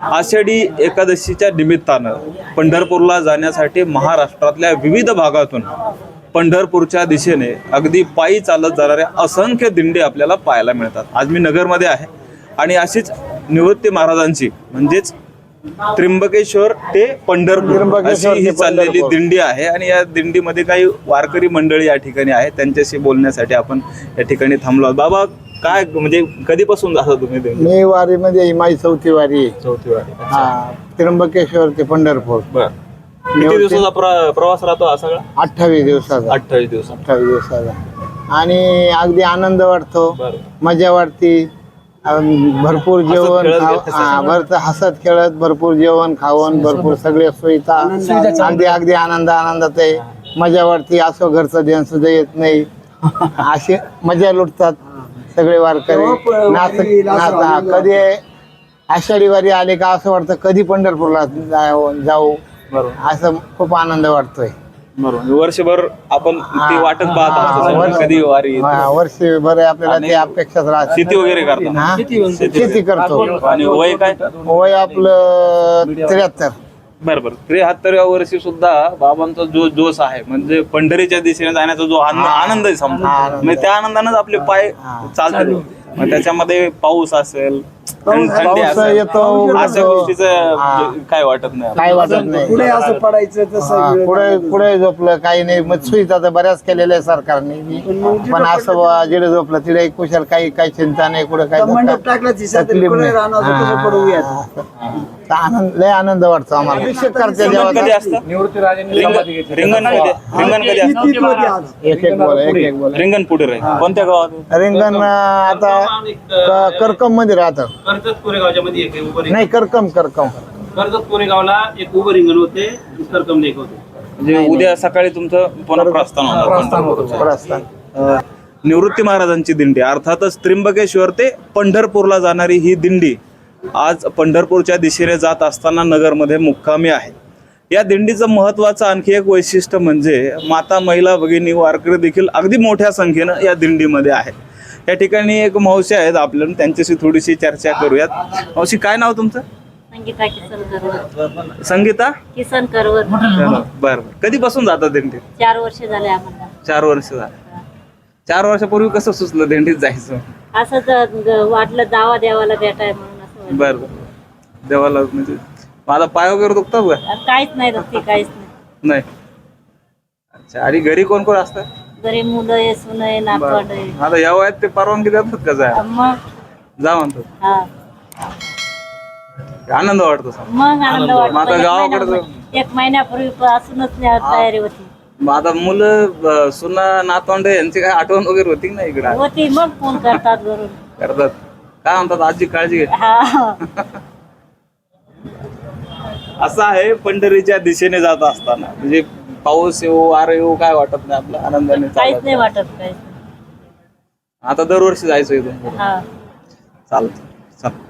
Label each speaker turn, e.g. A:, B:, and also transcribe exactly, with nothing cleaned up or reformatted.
A: आषाढी एकादशीच्या निमित्तानं पंढरपूरला जाण्यासाठी महाराष्ट्रातल्या विविध भागातून पंढरपूरच्या दिशेने अगदी पायी चालत जाणाऱ्या असंख्य दिंडी आपल्याला पाहायला मिळतात. आज मी नगरमध्ये आहे आणि अशीच निवृत्ती महाराजांची म्हणजेच त्र्यंबकेश्वर ते पंढरपूर अशी ही चाललेली दिंडी आहे आणि या दिंडीमध्ये काही वारकरी मंडळी या ठिकाणी आहे. त्यांच्याशी बोलण्यासाठी आपण या ठिकाणी थांबलो आहोत. बाबा, काय म्हणजे कधीपासून जाता तुम्ही?
B: मी वारीमध्ये ही माझी चौथी वारी आहे.
A: चौथी वारी.
B: हा, त्र्यंबकेश्वर ते पंढरपूर.
A: बर, किती दिवसाचा प्र- प्रवास राहतो हा सगळा?
B: अठ्ठावीस दिवसाचा.
A: अठ्ठावीस दिवस.
B: अठ्ठावीस दिवसाचा आणि अगदी आनंद वाटतो,
A: बरं.
B: मजा वाटते. अं, भरपूर जेवण
A: खेळत
B: खाव-
A: घेतलं
B: हा, भरत हसत खेळत भरपूर जेवण खावण भरपूर सगळे सुविधा अगदी अगदी आनंद आनंदात आहे. मजा वाटते. असं घरचं ध्यान सुद्धा येत नाही. असे मजा लुटतात सगळे वारकरी. नाच नाचा कधी आषाढी वारी आले का असं वाटतं कधी पंढरपूरला जाऊ जाऊ
A: बरोबर.
B: असं खूप आनंद वाटतोय.
A: बरोबर. वर्षभर आपण ती वाटत पाहत असतो
B: वर्ष-
A: कधी वारी येते.
B: हा, वर्षभर आपल्याला ते अपेक्षाच राहते.
A: शेती वगैरे करता?
B: हा? शेती करतो.
A: आणि वय काय?
B: वय आपलं त्र्याहत्तर.
A: बरोबर. त्र्याहत्तरव्या वर्षी सुद्धा बाबांचा जो जोश आहे म्हणजे पंढरीच्या दिशेने जाण्याचा जो आनंद आनंद आहे समजा, म्हणजे त्या आनंदानेच आपले पाय चालतात. मग त्याच्यामध्ये पाऊस असेल, थंडी
B: पाऊस
A: असेल,
B: येतो,
A: अशा
B: उघडतो.
A: गोष्टीचं काय वाटत नाही.
B: काय वाटत नाही.
C: पुढे असं पडायचं
B: हा,
C: तसं
B: पुढे पुढे झोपलं काही नाही. मग सुविधा तर बऱ्याच केलेल्या आहे सरकारने, पण असं बुवा जिडे झोपलं तिडे कुशल काही काही चिंता नाही. कुठे काही
C: मंडप टाकला
B: तकलीफ नाही. हा. तर आनंद लय आनंद वाटतो आम्हाला. करते
A: रिंगण कधी
B: देवाचा.
A: असतं? रिंगण रिंगण कधी रिंगण कधी असतं?
B: एक एक बोल एक एक बोल.
A: रिंगण पुढे राहील. कोणत्या गावात?
B: रिंगण अं, आता क- करकम मध्ये राहतं.
D: कर्जत कोरेगावच्या मध्ये एक उभं रिंगण.
B: नाही करकम करकम
D: कर्जत कोरेगावला एक उभं रिंगण होते, करकम लेक होते.
A: म्हणजे उद्या सकाळी तुमचं पुन्हा प्रस्थान होणार पंढरपूरचं.
B: प्रस्थान.
A: अं, निवृत्ती महाराजांची दिंडी अर्थातच त्र्यंबकेश्वर ते पंढरपूरला जाणारी ही दिंडी आज पंढरपूरच्या दिशेने जात असताना नगरमध्ये मुक्कामी आहे. या दिंडीचं महत्वाचं आणखी एक वैशिष्ट्य म्हणजे माता, महिला, भगिनी, वारकरी देखील अगदी मोठ्या संख्येनं या दिंडीमध्ये आहेत. या ठिकाणी एक मावशी आहेत, आपल्याला त्यांच्याशी थोडीशी चर्चा करूयात. मावशी, काय नाव तुमचं?
E: संगीता किसन करवर.
A: संगीता
E: किसन करवर.
A: बरं बरं. कधीपासून जातात दिंडीत?
E: चार वर्ष झाले आम्हाला.
A: चार वर्ष झाले. चार वर्षापूर्वी कसं सुचलं दिंडीत जायचं?
E: असंच वाटलं जावा देवाला भेटाय म्हणून असं वाटलं.
A: बरं बरं. देवाला म्हणजे माझा पाय वगैरे दुखतात का?
E: काहीच नाही दुखते, काहीच नाही.
A: नाही. अच्छा. आणि घरी कोण कोण असतं?
E: घरी मुलं आहे, सुन आहे, नातवंड आहे.
A: आता या वयात ते परवानगी देतात का जाय?
E: मग
A: जा म्हणतात.
E: हा
A: आनंद वाटतो समजा.
E: मग आनंद वाटतो.
A: मग आता
E: एक
A: गावाकडे
E: महिना- एक महिन्यापूर्वी असूनच तयारी होती
A: मग आता मुलं, सुना, नातवंड यांची काय आठवण वगैरे होती ना इकडे?
E: होती मग फोन करतात घरून.
A: करतात. काय म्हणतात? आजी काळजी घे.
E: हा
A: असं आहे पंढरीच्या दिशेने जात असताना म्हणजे पाऊस येऊ वारं येऊ काय वाटत नाही, आपल्या आनंदाने
E: काहीच
A: चालत.
E: नाही वाटत, काहीच.
A: आता दरवर्षी जायचं इथून.
E: हा
A: चालत. चल.